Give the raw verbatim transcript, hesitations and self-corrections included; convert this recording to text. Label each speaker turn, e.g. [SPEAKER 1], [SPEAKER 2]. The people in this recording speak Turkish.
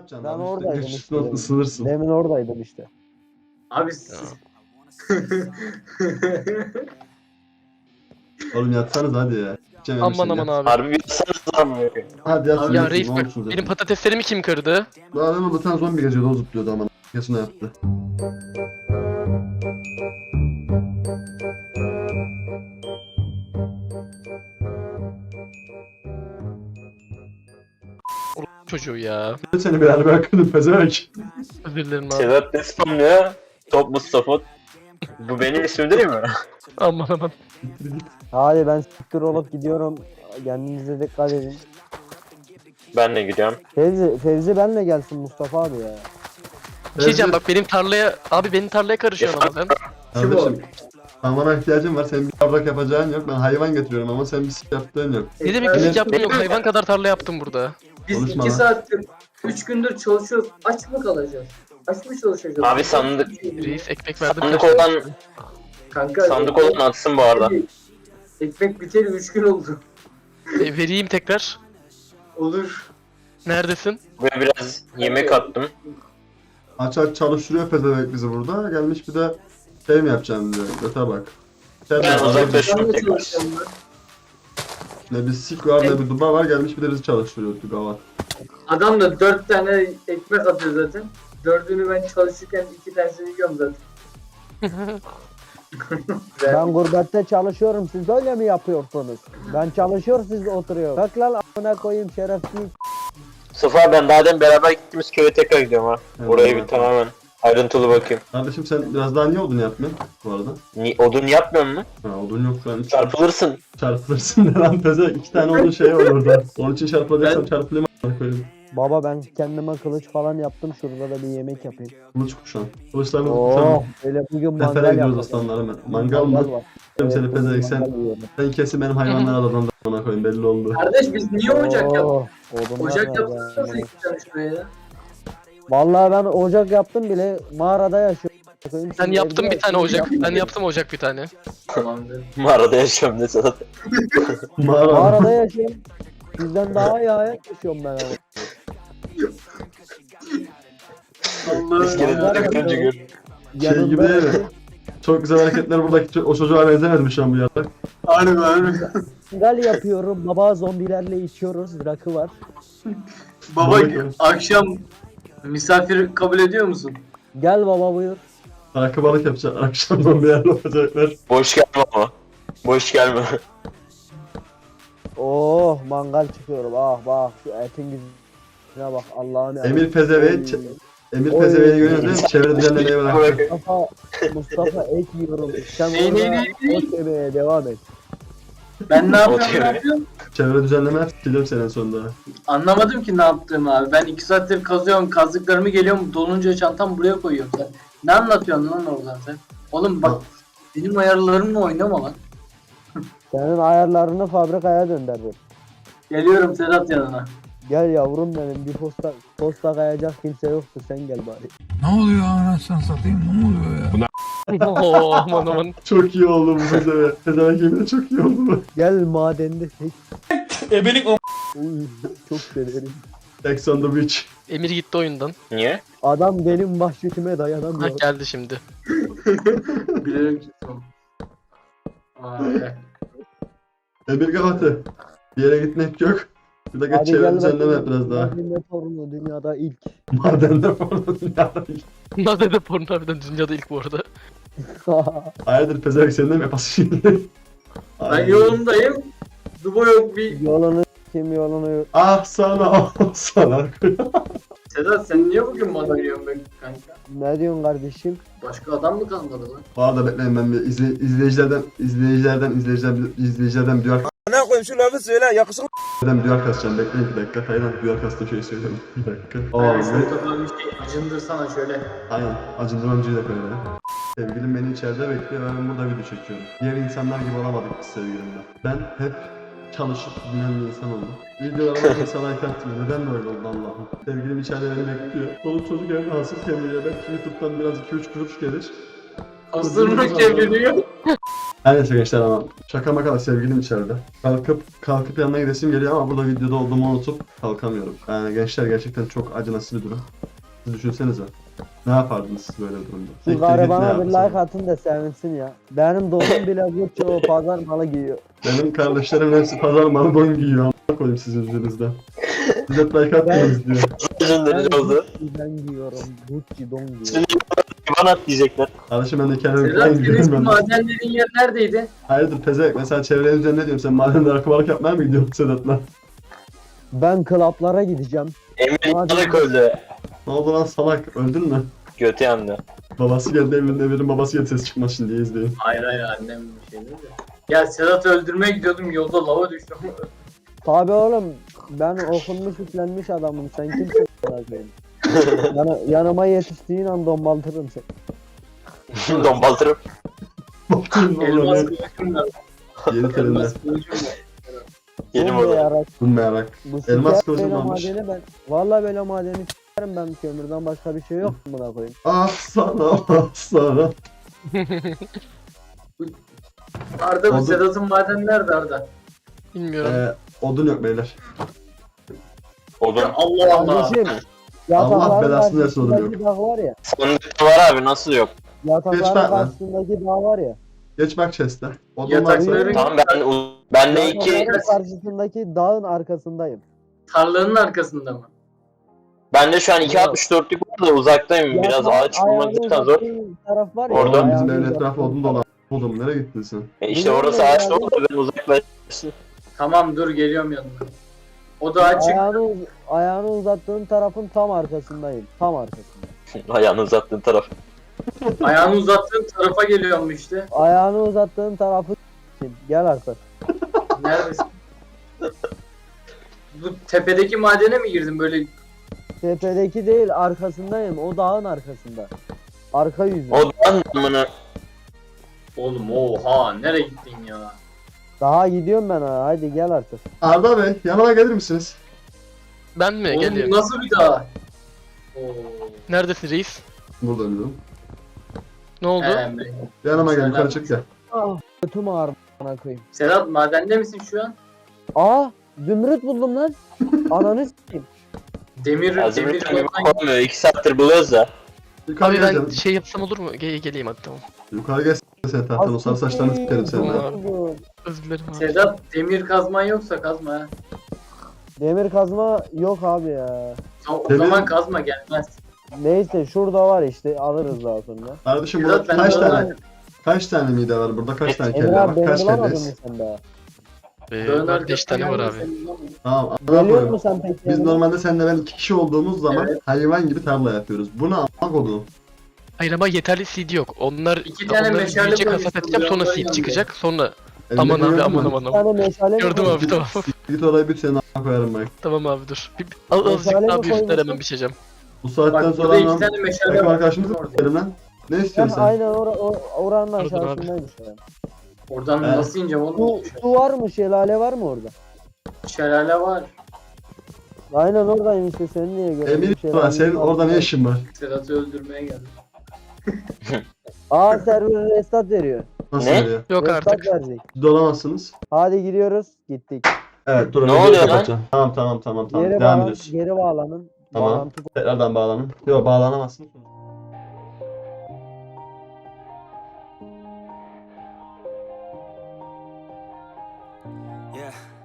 [SPEAKER 1] yapacaksın
[SPEAKER 2] Ben
[SPEAKER 1] abi?
[SPEAKER 2] oradaydım
[SPEAKER 1] Üstüne
[SPEAKER 2] işte.
[SPEAKER 1] üstüne ısınırsın.
[SPEAKER 2] Demin oradaydım işte.
[SPEAKER 3] Abi siz...
[SPEAKER 1] Oğlum yatsanız hadi ya. Gideceğim
[SPEAKER 4] Aman
[SPEAKER 1] Emre
[SPEAKER 4] aman
[SPEAKER 1] sen
[SPEAKER 4] abi.
[SPEAKER 5] Harbi bir yasanız var mı?
[SPEAKER 1] Hadi yatsın
[SPEAKER 3] Abi
[SPEAKER 4] Ya
[SPEAKER 1] yatsın.
[SPEAKER 4] reis
[SPEAKER 1] Ne
[SPEAKER 4] bak
[SPEAKER 1] olmuşsunuz
[SPEAKER 4] benim
[SPEAKER 1] ya?
[SPEAKER 4] patateslerimi kim kırdı?
[SPEAKER 1] Bu adamı bir tane zombi geziyordu o zıplıyordu aman. Kesin o yaptı.
[SPEAKER 4] Çocuğu ya.
[SPEAKER 1] Seni bir halime akıdım pezevenk.
[SPEAKER 4] Özür dilerim abi.
[SPEAKER 5] Sedat ne spamlıyor? Top Mustafa. Bu benim ismim değil mi?
[SPEAKER 4] Aman aman.
[SPEAKER 2] Hadi ben siktir olup gidiyorum. Kendinize dikkat edin.
[SPEAKER 5] Ben de gidiyorum.
[SPEAKER 2] Fevzi, Fevzi benle gelsin Mustafa abi ya.
[SPEAKER 4] Bir şey diyeceğim bak benim tarlaya... Abi benim tarlaya karışıyorsun ama sen.
[SPEAKER 1] Kardeşim. Sen bana ihtiyacın var. Senin bir yavrak yapacağın yok. Ben hayvan getiriyorum ama sen bir sik yaptığın yok.
[SPEAKER 4] Ne demek
[SPEAKER 1] Evet.
[SPEAKER 4] bir yaptın yok hayvan kadar tarla yaptım burada.
[SPEAKER 3] Biz
[SPEAKER 1] Konuşma
[SPEAKER 3] iki
[SPEAKER 1] lan.
[SPEAKER 3] saattir, üç gündür çalışıyoruz. Aç mı kalacağız? Aç mı çalışacağız?
[SPEAKER 5] Abi sandık
[SPEAKER 4] Reis ekmek verdim.
[SPEAKER 5] sandık
[SPEAKER 4] kaç
[SPEAKER 5] olan
[SPEAKER 4] tane?
[SPEAKER 3] Kanka,
[SPEAKER 5] sandık olan atsın bu arada.
[SPEAKER 3] Ekmek biteli üç gün oldu.
[SPEAKER 4] E, vereyim tekrar.
[SPEAKER 3] Olur.
[SPEAKER 4] Neredesin?
[SPEAKER 5] Buraya biraz yemek attım.
[SPEAKER 1] Aç aç çalıştırıyor pezevenk bizi burada. Gelmiş bir de şey mi yapacağım diyor. Göte bak. Sen
[SPEAKER 5] Ben
[SPEAKER 1] de-
[SPEAKER 5] uzaklaşıyorum
[SPEAKER 3] Ben de
[SPEAKER 5] tekrar.
[SPEAKER 3] çalışacağım ben.
[SPEAKER 1] Ne bir sik var ne bir duba var. Gelmiş bir de bizi çalıştırıyor gavat.
[SPEAKER 3] Adam da dört tane ekmek atıyor zaten. Dördünü ben çalışırken iki tanesini yiyorum zaten.
[SPEAKER 2] Ben gurbette çalışıyorum, siz öyle mi yapıyorsunuz? Ben çalışıyor, siz oturuyor. Kalk lan amına koyayım şerefsiz.
[SPEAKER 5] Mustafa ben daha demin beraber gittiğimiz köye tekrar gidiyorum ha.
[SPEAKER 1] Evet.
[SPEAKER 5] Orayı bir tamamen ayrıntılı bakayım.
[SPEAKER 1] Kardeşim sen biraz daha niye odun yapmıyorsun bu arada?
[SPEAKER 5] Ni odun yapmıyor mu?
[SPEAKER 1] Ha odun yok şu an.
[SPEAKER 5] Çarpılırsın.
[SPEAKER 1] Çarpılırsın ne lan peze. İki tane odun şey var orada. Onun için çarpılacaksam
[SPEAKER 3] Ben-
[SPEAKER 1] çarpılayım a**ına koyayım.
[SPEAKER 2] Baba ben kendime kılıç falan yaptım, şurada da bir yemek yapayım.
[SPEAKER 1] Kılıç kuşan. Kılıçlarını
[SPEAKER 2] Oo,
[SPEAKER 1] kuşan.
[SPEAKER 2] öyle bugün mangal
[SPEAKER 1] Sefere gidiyoruz
[SPEAKER 2] yapacağım.
[SPEAKER 1] aslanlarım ben. Mangal mı?
[SPEAKER 2] var.
[SPEAKER 1] Seni
[SPEAKER 2] Evet,
[SPEAKER 1] pezevenk
[SPEAKER 2] bugün
[SPEAKER 1] sen.
[SPEAKER 2] mangal yiyorum.
[SPEAKER 1] Sen kesin benim hayvanları aladan da a**ına koyayım belli oldu.
[SPEAKER 3] Kardeş biz niye ocak yaptık?
[SPEAKER 2] Oo, odunlar
[SPEAKER 3] Ocak
[SPEAKER 2] var
[SPEAKER 3] yapsanız
[SPEAKER 2] ya.
[SPEAKER 3] iki tane şuraya ya.
[SPEAKER 2] Vallahi ben ocak yaptım bile, mağarada yaşıyorum.
[SPEAKER 4] Ben
[SPEAKER 2] Şimdi
[SPEAKER 4] yaptım
[SPEAKER 2] evde
[SPEAKER 4] bir tane ocak.
[SPEAKER 2] yapmadım.
[SPEAKER 4] Ben yaptım ocak bir tane.
[SPEAKER 3] Tamamdır.
[SPEAKER 5] Mağarada yaşıyorum ne Sedat.
[SPEAKER 1] Mağara.
[SPEAKER 2] Mağarada yaşıyorum. Sizden daha iyi hayat yaşıyorum ben ama.
[SPEAKER 3] Allah'ım.
[SPEAKER 5] İskeleti
[SPEAKER 2] Mangal
[SPEAKER 5] takınca
[SPEAKER 2] yapıyorum.
[SPEAKER 5] gör.
[SPEAKER 1] Şey gibi değil mi? Çok güzel hareketler buradaki ço- o çocuğa benzemedi mi şu an bu yarak?
[SPEAKER 3] Harbi harbi.
[SPEAKER 2] Mangal yapıyorum. Baba zombilerle içiyoruz. Rakı var.
[SPEAKER 3] Baba
[SPEAKER 1] Baba-
[SPEAKER 3] akşam misafir kabul ediyor musun?
[SPEAKER 2] Gel baba buyur.
[SPEAKER 1] Rakı balık yapacak. Akşam zombilerle olacaklar.
[SPEAKER 5] Boş gelme ama. Boş gelme.
[SPEAKER 2] Oh mangal çıkıyorum. Ah bak şu etin güzelliğine bak Allah'ım ya.
[SPEAKER 1] Emir Pezevenk.
[SPEAKER 2] Oy.
[SPEAKER 1] Emir
[SPEAKER 2] Oy.
[SPEAKER 1] Pezevenk'i görüyorsunuz değil mi? Çevre düzenlemeye bıraktı.
[SPEAKER 2] Mustafa, Mustafa et yiyorum. Sen
[SPEAKER 3] Ney, ney,
[SPEAKER 2] orada
[SPEAKER 3] ney, ney?
[SPEAKER 2] ot yemeye devam et.
[SPEAKER 3] Ben ne yapıyorum
[SPEAKER 5] Okey.
[SPEAKER 3] ne yapıyorum?
[SPEAKER 1] Çevre düzenleme yapacağım senin sonunda.
[SPEAKER 3] Anlamadım ki ne yaptığımı abi. Ben iki saattir kazıyorum, kazdıklarımı geliyorum, dolunca çantam buraya koyuyorum sen. Ne anlatıyorsun lan oradan sen? Oğlum bak, benim ayarlarımla oynama lan.
[SPEAKER 2] Senin ayarlarını fabrikaya döndürdüm.
[SPEAKER 3] Geliyorum Sedat yanına.
[SPEAKER 2] Gel yavrum benim bir posta posta kayacak kimse yoktu sen gel bari.
[SPEAKER 6] Ne oluyor anasını satayım ne oluyor ya?
[SPEAKER 4] Oo aman aman.
[SPEAKER 1] Çok iyi oldu bu Pezevenk. Pezevenk yemin de çok iyi oldu bu.
[SPEAKER 2] Gel madende tek.
[SPEAKER 6] Ebelik o.
[SPEAKER 2] Uy, çok severim.
[SPEAKER 1] Ex on the beach.
[SPEAKER 4] Emir gitti oyundan.
[SPEAKER 5] Niye?
[SPEAKER 2] Adam benim vahşetime
[SPEAKER 4] Ha
[SPEAKER 2] dayanamıyor.
[SPEAKER 4] geldi şimdi.
[SPEAKER 3] Bilerek gittim. Vay.
[SPEAKER 1] Emir Gavatı. Bir yere gitmek yok. Bir dakika
[SPEAKER 2] Hadi
[SPEAKER 1] çevre
[SPEAKER 2] gel
[SPEAKER 1] düzenleme yap
[SPEAKER 2] bakayım.
[SPEAKER 1] biraz daha.
[SPEAKER 2] Madende torunu dünyada ilk.
[SPEAKER 1] Madende falan dünyada ilk.
[SPEAKER 4] Nadede porno harbiden dünyada ilk bu arada.
[SPEAKER 1] Hayırdır Pezevenk senin de mi yapasın şimdi?
[SPEAKER 3] Ben
[SPEAKER 1] Ay.
[SPEAKER 3] yolundayım. Dubo yok bir...
[SPEAKER 2] Yolunu kim yolunu yok.
[SPEAKER 1] Ah sana ah sana.
[SPEAKER 3] Sedat sen niye bugün bana giriyorsun be kanka?
[SPEAKER 2] Ne diyorsun kardeşim?
[SPEAKER 3] Başka adam mı kalmadı lan?
[SPEAKER 1] Bu arada bekleyin ben bir izle, izleyicilerden izleyicilerden izleyicilerden izleyicilerden bir duyar
[SPEAKER 6] Ne koyayım şu lafı söyle yakışık.
[SPEAKER 1] bir duyar kasacağım. Bekleyin bir dakika. Hayır duyar kastığım şeyi söyleyeyim. Bir dakika. Aa,
[SPEAKER 3] Yani
[SPEAKER 1] ne?
[SPEAKER 3] şurada bir şey acındırsana şöyle.
[SPEAKER 1] Aynen. Acındırmamcıyı da koyalım. Sevgilim beni içeride bekliyor ve ben burada video çekiyorum. Diğer insanlar gibi olamadık biz sevgilimle. Ben hep çalışıp dinlen bir insan oldum. Videolarıma kimse like atmıyor. Neden böyle oldu Allah'ım? Sevgilim içeride beni bekliyor. Çoluk çocuk evde hasıl kemiğe. Belki YouTube'dan biraz iki üç kuruş gelir.
[SPEAKER 3] Hazırını çeviriyor.
[SPEAKER 1] Her neyse gençler ama şaka maka da sevgilim içeride. Kalkıp kalkıp yanına gidesim geliyor ama burada videoda olduğumu unutup kalkamıyorum. Yani gençler gerçekten çok acınası bir durum. Siz düşünsenize. Ne yapardınız siz böyle bir durumda?
[SPEAKER 2] Şu
[SPEAKER 1] Siktir git,
[SPEAKER 2] garibana
[SPEAKER 1] ne
[SPEAKER 2] bir
[SPEAKER 1] yapsın?
[SPEAKER 2] like atın da sevinsin ya. Benim dostum bile Gucci o pazar malı giyiyor.
[SPEAKER 1] Benim kardeşlerimin hepsi pazar malı don giyiyor. Amına koyayım sizin yüzünüzden. Siz hep like atmıyorsunuz diyor.
[SPEAKER 5] Üzümleri
[SPEAKER 2] Ben
[SPEAKER 5] oldu.
[SPEAKER 2] Gucci'den giyiyorum. Gucci don giyiyor.
[SPEAKER 5] Şimdi bana at diyecekler.
[SPEAKER 1] Kardeşim ben de kendimi
[SPEAKER 3] Sedat
[SPEAKER 1] falan
[SPEAKER 3] senin
[SPEAKER 1] gidiyorum
[SPEAKER 3] eski
[SPEAKER 1] ben.
[SPEAKER 3] madenlerin yer neredeydi?
[SPEAKER 1] Hayırdır pezevenk mesela çevrenin üzerine ne diyorum sen madende akvaryum yapmaya mı gidiyorsun Sedat'la?
[SPEAKER 2] Ben klaplara gideceğim.
[SPEAKER 5] Emir
[SPEAKER 2] Hadi.
[SPEAKER 5] İptalık öldü.
[SPEAKER 1] Ne oldu lan salak öldün mü?
[SPEAKER 5] Götü yandı.
[SPEAKER 1] Babası geldi evinin Emir'in babası geldi ses çıkmaz şimdi izleyin.
[SPEAKER 3] Hayır hayır annem bir şey dedi. Ya Sedat'ı öldürmeye gidiyordum yolda lava düştüm.
[SPEAKER 2] Tabi oğlum ben okunmuş üflenmiş adamım. Sen kimsin? Koyayım? Yana, yanıma yetiştiğin an dombaltırım seni.
[SPEAKER 5] Dombaltırım.
[SPEAKER 1] Bakın
[SPEAKER 3] Elmas
[SPEAKER 1] oğlum
[SPEAKER 3] kılıcım var.
[SPEAKER 1] yeni terimde.
[SPEAKER 3] Elmas kılıcım var.
[SPEAKER 5] Yeni
[SPEAKER 2] Bu
[SPEAKER 5] moda.
[SPEAKER 2] yarak-
[SPEAKER 1] Bulmayarak.
[SPEAKER 2] Bu
[SPEAKER 1] Elmas
[SPEAKER 2] siker
[SPEAKER 1] kılıcım
[SPEAKER 2] böyle
[SPEAKER 1] varmış.
[SPEAKER 2] madeni ben. Valla böyle madeni s**erim ben kömürden başka bir şey yok buna koyayım.
[SPEAKER 1] Ah sana ah sana.
[SPEAKER 3] Arda bu
[SPEAKER 1] Oldu.
[SPEAKER 3] Sedat'ın maden nerede Arda?
[SPEAKER 4] Bilmiyorum.
[SPEAKER 1] Ee, odun yok beyler.
[SPEAKER 5] Odun.
[SPEAKER 3] Allah Allah.
[SPEAKER 2] Kardeşim
[SPEAKER 1] Allah
[SPEAKER 2] yatakların
[SPEAKER 1] belasını versin oğlum
[SPEAKER 2] karşısındaki dağ var ya.
[SPEAKER 5] Sandıkta var abi nasıl yok?
[SPEAKER 1] Geç
[SPEAKER 2] Yatakların
[SPEAKER 1] bak lan.
[SPEAKER 2] karşısındaki dağ var ya.
[SPEAKER 1] Geç bak chest'e. Odun
[SPEAKER 3] Yatakları-
[SPEAKER 1] varsa
[SPEAKER 5] Tamam ben ben de iki
[SPEAKER 2] Yatakların karşısındaki dağın arkasındayım.
[SPEAKER 3] Tarlanın arkasında mı?
[SPEAKER 5] ben de şu an iki altmış dörtlük var da uzaktayım. Biraz
[SPEAKER 2] Yatak-
[SPEAKER 5] ağaç bulmak
[SPEAKER 2] ayağını
[SPEAKER 5] cidden zor.
[SPEAKER 2] uzattığın taraf var ya.
[SPEAKER 5] Orada
[SPEAKER 1] Oğlum bizim
[SPEAKER 2] ayağını
[SPEAKER 1] evin
[SPEAKER 2] uzattığın
[SPEAKER 1] etrafı odun
[SPEAKER 2] taraf.
[SPEAKER 1] dolu. Oğlum nereye gittin sen?
[SPEAKER 5] E işte
[SPEAKER 2] Biliyorum
[SPEAKER 5] orası
[SPEAKER 2] ben
[SPEAKER 5] ağaç
[SPEAKER 2] abi.
[SPEAKER 5] dolu da ben uzaklaştım.
[SPEAKER 3] Tamam dur geliyorum yanına. O da açık.
[SPEAKER 2] Ayağını, uz- ayağını uzattığın tarafın tam arkasındayım. Tam arkasında.
[SPEAKER 5] Ayağını uzattığın taraf.
[SPEAKER 3] Ayağını uzattığın tarafa geliyorum işte.
[SPEAKER 2] Ayağını uzattığın tarafı s**eyim. Gel artık.
[SPEAKER 3] Neredesin? Bu tepedeki madene mi girdin böyle?
[SPEAKER 2] Tepedeki değil arkasındayım. O dağın arkasında. Arka yüzü.
[SPEAKER 5] O da amına.
[SPEAKER 3] Oğlum oha nereye gittin ya?
[SPEAKER 2] Daha gidiyorum ben ha. Haydi gel artık.
[SPEAKER 1] Arda Bey yanıma gelir misiniz?
[SPEAKER 4] Ben mi?
[SPEAKER 3] Oğlum
[SPEAKER 4] Geliyorum.
[SPEAKER 3] bu nasıl bir dağ? Oo.
[SPEAKER 4] Neredesin reis?
[SPEAKER 1] Burada diyorum.
[SPEAKER 4] Ne oldu?
[SPEAKER 3] He, be.
[SPEAKER 1] Yanıma gel
[SPEAKER 3] Selam.
[SPEAKER 1] yukarı çık gel.
[SPEAKER 2] Ah götüm ağrı bana koyayım.
[SPEAKER 3] Sedat madende misin şu an?
[SPEAKER 2] Aa zümrüt buldum lan. Ananı s**eyim.
[SPEAKER 3] Demir,
[SPEAKER 5] Ya
[SPEAKER 3] demir
[SPEAKER 5] zümrütten gibi
[SPEAKER 3] falan.
[SPEAKER 5] olmuyor. iki saattir buluyoruz da.
[SPEAKER 1] Yukarı
[SPEAKER 4] Abi
[SPEAKER 1] gel
[SPEAKER 4] ben
[SPEAKER 1] canım.
[SPEAKER 4] şey yapsam olur mu? Ge geleyim hadi tamam.
[SPEAKER 1] Yukarı gel sen tahtanı o sarı saçlarını sikerim senin.
[SPEAKER 4] Tamam.
[SPEAKER 1] ha.
[SPEAKER 2] Buldum.
[SPEAKER 4] Özür dilerim abi.
[SPEAKER 3] Sedat demir kazman yoksa kazma ha.
[SPEAKER 2] Demir kazma yok abi ya.
[SPEAKER 3] O, o
[SPEAKER 1] Demir-
[SPEAKER 3] zaman kazma gelmez.
[SPEAKER 2] Neyse şurada var işte alırız daha sonra.
[SPEAKER 1] Kardeşim
[SPEAKER 3] Sedat,
[SPEAKER 1] burada
[SPEAKER 3] ben
[SPEAKER 1] kaç
[SPEAKER 3] de
[SPEAKER 1] tane
[SPEAKER 3] oradan-
[SPEAKER 1] kaç tane mide var burada kaç tane
[SPEAKER 2] Emre
[SPEAKER 1] kelle
[SPEAKER 2] abi
[SPEAKER 1] var
[SPEAKER 2] beni
[SPEAKER 1] kaç
[SPEAKER 2] bulamadın mı
[SPEAKER 1] kelleyiz?
[SPEAKER 2] sen daha?
[SPEAKER 4] Ee,
[SPEAKER 3] Dağın
[SPEAKER 4] var beş tane var
[SPEAKER 3] arkasından
[SPEAKER 4] abi.
[SPEAKER 3] gelmez, sen
[SPEAKER 1] Tamam amına
[SPEAKER 2] Geliyor
[SPEAKER 1] koyayım.
[SPEAKER 2] musun sen peki?
[SPEAKER 1] Biz
[SPEAKER 2] yanıma?
[SPEAKER 1] normalde seninle ben iki kişi olduğumuz zaman
[SPEAKER 3] Evet.
[SPEAKER 1] hayvan gibi tarla yapıyoruz. Bu ne amına koyduğum?
[SPEAKER 4] Hayır ama yeterli seed yok. Onlar
[SPEAKER 3] İki tane
[SPEAKER 4] onları
[SPEAKER 3] meşale
[SPEAKER 4] büyüyecek
[SPEAKER 3] koymuşsun
[SPEAKER 4] hasat edeceğim
[SPEAKER 3] buraya,
[SPEAKER 4] sonra
[SPEAKER 3] ondan
[SPEAKER 4] seed
[SPEAKER 3] yandı.
[SPEAKER 4] çıkacak sonra
[SPEAKER 1] Elinde
[SPEAKER 4] aman abi
[SPEAKER 1] gördün
[SPEAKER 4] aman
[SPEAKER 1] mü?
[SPEAKER 4] aman
[SPEAKER 2] Bir
[SPEAKER 4] aman.
[SPEAKER 2] tane meşale mi
[SPEAKER 4] Gördüm
[SPEAKER 2] koydun?
[SPEAKER 4] abi tamam.
[SPEAKER 1] Git orayı bir senin a**a koyarım bak.
[SPEAKER 4] Tamam abi dur. Bir, al, azıcık
[SPEAKER 2] Meşale mi
[SPEAKER 4] daha büyüsünler
[SPEAKER 2] koymuşsun?
[SPEAKER 4] hemen biçeceğim.
[SPEAKER 1] Bu saatten
[SPEAKER 3] Bak
[SPEAKER 1] sonra
[SPEAKER 3] burada iki
[SPEAKER 1] lan
[SPEAKER 3] tane meşale
[SPEAKER 1] takım
[SPEAKER 3] var.
[SPEAKER 1] arkadaşımızı
[SPEAKER 3] Orada.
[SPEAKER 1] s**erim lan. Ne
[SPEAKER 2] Ben
[SPEAKER 1] istiyorsun sen?
[SPEAKER 2] aynen or or oranın
[SPEAKER 4] Pardon abi.
[SPEAKER 2] aşağısındaymış yani.
[SPEAKER 3] Oradan
[SPEAKER 1] Evet.
[SPEAKER 3] nasıl ineceğim
[SPEAKER 2] Su,
[SPEAKER 3] oğlum?
[SPEAKER 2] su var mı? Şelale var mı orada?
[SPEAKER 3] Şelale var.
[SPEAKER 2] Aynen oradayım işte seni niye gördüm?
[SPEAKER 1] Emir
[SPEAKER 2] Şelale
[SPEAKER 1] var senin
[SPEAKER 2] var.
[SPEAKER 1] orada ne işin var?
[SPEAKER 3] Sedat'ı öldürmeye geldim.
[SPEAKER 2] Aa server restart veriyor.
[SPEAKER 1] Nasıl
[SPEAKER 5] Ne?
[SPEAKER 1] veriyor?
[SPEAKER 4] Yok
[SPEAKER 2] Restart
[SPEAKER 4] artık.
[SPEAKER 2] verecek.
[SPEAKER 1] Siz de olamazsınız.
[SPEAKER 2] Hadi gidiyoruz. Gittik.
[SPEAKER 1] Evet dur.
[SPEAKER 5] Ne
[SPEAKER 1] videoyu
[SPEAKER 5] oluyor lan?
[SPEAKER 1] kapatacağım. Tamam tamam tamam tamam.
[SPEAKER 2] Geri
[SPEAKER 1] Devam
[SPEAKER 2] bağlan,
[SPEAKER 1] ediyoruz.
[SPEAKER 2] geri bağlanın.
[SPEAKER 1] Tamam.
[SPEAKER 2] Bağlantı
[SPEAKER 1] Tekrardan bağlanın. Yok bağlanamazsın.
[SPEAKER 7] Yeah.